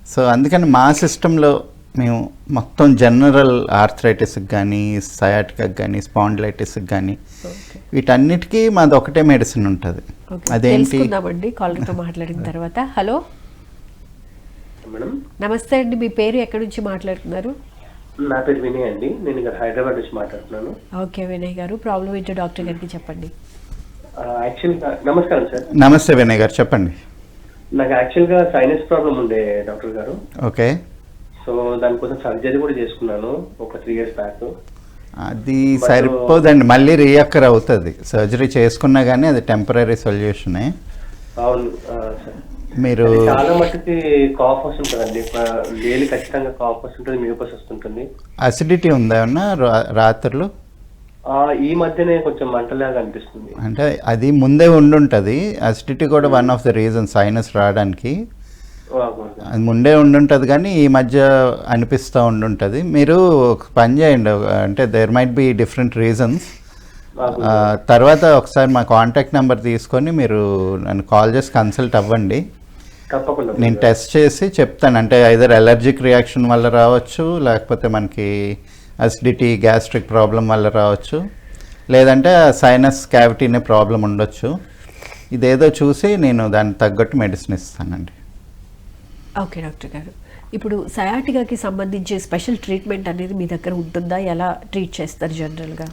So అందుకని మా సిస్టంలో మేము మొత్తం జనరల్ ఆర్థరైటిస్కి కానీ సయాటికాకి కానీ స్పాండిలైటిస్కి కానీ వీటన్నిటికీ మాది ఒకటే మెడిసిన్ ఉంటుంది. అదేంటి కాలర్తో మాట్లాడిన తర్వాత. హలో మేడం, నమస్తే అండి, మీ పేరు ఎక్కడి నుంచి మాట్లాడుతున్నారు? నా పేరు వినయ్ అండి, నేను ఇక్కడ హైదరాబాద్ నుంచి మాట్లాడుతున్నాను. ఓకే వినయ్ గారు, ప్రాబ్లం ఏంటో డాక్టర్ గారికి చెప్పండి. యాక్చువల్గా నమస్కారం సార్. నమస్తే వినయ్ గారు, చెప్పండి. నాకు యాక్చువల్గా సైనస్ ప్రాబ్లం ఉండే డాక్టర్ గారు. ఓకే. సో దానికోసం సర్జరీ కూడా చేసుకున్నాను ఒక 3 years బ్యాక్. అది సరిపోదండి, మళ్ళీ రీఅక్కర్ అవుతుంది. సర్జరీ చేసుకున్నా కానీ అది టెంపరీ సొల్యూషనే. అవును సార్. మీరు చాలా మట్టుకి కాఫ్ వస్తుంటుందండి, డైలీ ఖచ్చితంగా కాఫ్ వస్తుంటుంది, మ్యూకస్ వస్తుంటుంది. అసిడిటీ ఉందా ఏమన్నా రాత్రులు? ఈ మధ్యనే కొంచెం మంటలాగా అనిపిస్తుంది. అంటే అది ముందే ఉండుంటుంది. అసిడిటీ కూడా one of the reason sinus రావడానికి. అది ముందే ఉండుంటుంది కానీ ఈ మధ్య అనిపిస్తూ ఉండుంటుంది. మీరు ఒక పని చేయండి, అంటే there might be different reasons. తర్వాత ఒకసారి మా కాంటాక్ట్ నెంబర్ తీసుకొని మీరు నన్ను కాల్ చేసి కన్సల్ట్ అవ్వండి. నేను టెస్ట్ చేసి చెప్తాను. అంటే ఐదర్ ఎలర్జిక్ రియాక్షన్ వల్ల రావచ్చు, లేకపోతే మనకి అసిడిటీ గ్యాస్ట్రిక్ ప్రాబ్లం వల్ల రావచ్చు, లేదంటే సైనస్ క్యావిటీనే ప్రాబ్లం ఉండొచ్చు. ఇదేదో చూసి నేను దానికి తగ్గట్టు మెడిసిన్ ఇస్తానండి. ఓకే డాక్టర్ గారు, ఇప్పుడు సయాటికాకి సంబంధించి స్పెషల్ ట్రీట్మెంట్ అనేది మీ దగ్గర ఉంటుందా? ఎలా ట్రీట్ చేస్తారు జనరల్గా?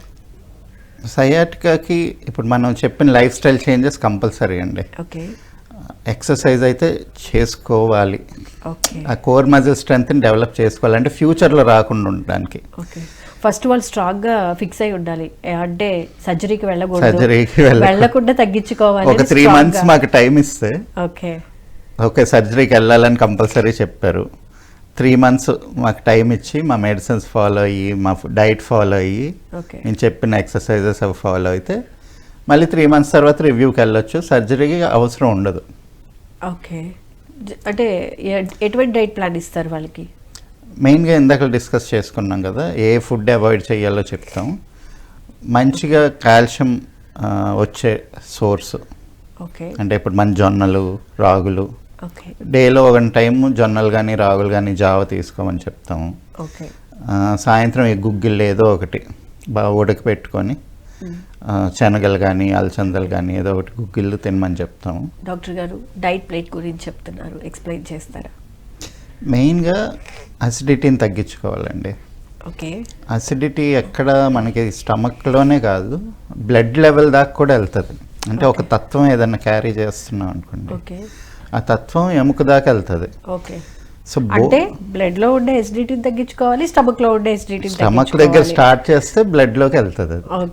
సయాటికాకి ఇప్పుడు మనం చెప్పిన లైఫ్ స్టైల్ చేంజెస్ కంపల్సరీ అండి. ఓకే. ఎక్సర్సైజ్ అయితే చేసుకోవాలి. ఓకే. ఆ కోర్ మజిల్ స్ట్రెంగ్త్ని డెవలప్ చేసుకోవాలి, అంటే ఫ్యూచర్లో రాకుండా ఉండడానికి. ఓకే. ఫస్ట్ వాళ్ళు స్ట్రాంగ్గా ఫిక్స్ అయి ఉండాలి, అంటే సర్జరీకి సర్జరీకి వెళ్ళకుండా తగ్గించుకోవాలి. ఒక 3 months మాకు టైం ఇస్తే. ఓకే. ఓకే, సర్జరీకి వెళ్ళాలని కంపల్సరీ చెప్పారు. 3 months మాకు టైం ఇచ్చి మా మెడిసిన్స్ ఫాలో అయ్యి, మా డైట్ ఫాలో అయ్యి, నేను చెప్పిన ఎక్సర్సైజెస్ అవి ఫాలో అయితే మళ్ళీ 3 months తర్వాత రివ్యూకి వెళ్ళొచ్చు. సర్జరీకి అవసరం ఉండదు. ఓకే. అంటే ఎటువంటి డైట్ ప్లాన్ ఇస్తారు వాళ్ళకి? మెయిన్గా ఇందాక డిస్కస్ చేసుకున్నాం కదా, ఏ ఫుడ్ అవాయిడ్ చేయాలో చెప్తాం. మంచిగా కాల్షియం వచ్చే సోర్స్, ఓకే, అంటే ఇప్పుడు మన జొన్నలు, రాగులు, ఓకే, డేలో 1 time జొన్నలు కానీ రాగులు కానీ జావ తీసుకోమని చెప్తాము. ఓకే. సాయంత్రం ఈ గుగ్గిళ్ళు ఏదో ఒకటి బాగా ఉడకపెట్టుకొని శనగలు కానీ అలసందలు కానీ ఏదో ఒకటి గుగ్గిళ్ళు తినమని చెప్తాము. డాక్టర్ గారు, డైట్ ప్లేట్ గురించి చెప్తున్నారు, ఎక్స్ప్లెయిన్ చేస్తారా? మెయిన్గా అసిడిటీని తగ్గించుకోవాలండి. ఓకే. అసిడిటీ ఎక్కడ మనకి స్టమక్లోనే కాదు, బ్లడ్ లెవెల్ దాకా కూడా వెళ్తుంది. అంటే ఒక తత్వం ఏదన్నా క్యారీ చేస్తున్నాం అనుకోండి, ఓకే, ఆ తత్వం ఎముక దాకా వెళ్తుంది. ఓకే. సో అంటే బ్లడ్ లో ఉండే ఎసిడిటీని తగ్గించుకోవాలి, స్టమక్ లో ఉండే ఎసిడిటీని స్టమక్ దగ్గర స్టార్ట్ చేస్తే బ్లడ్ లోకి వెళ్తుంది.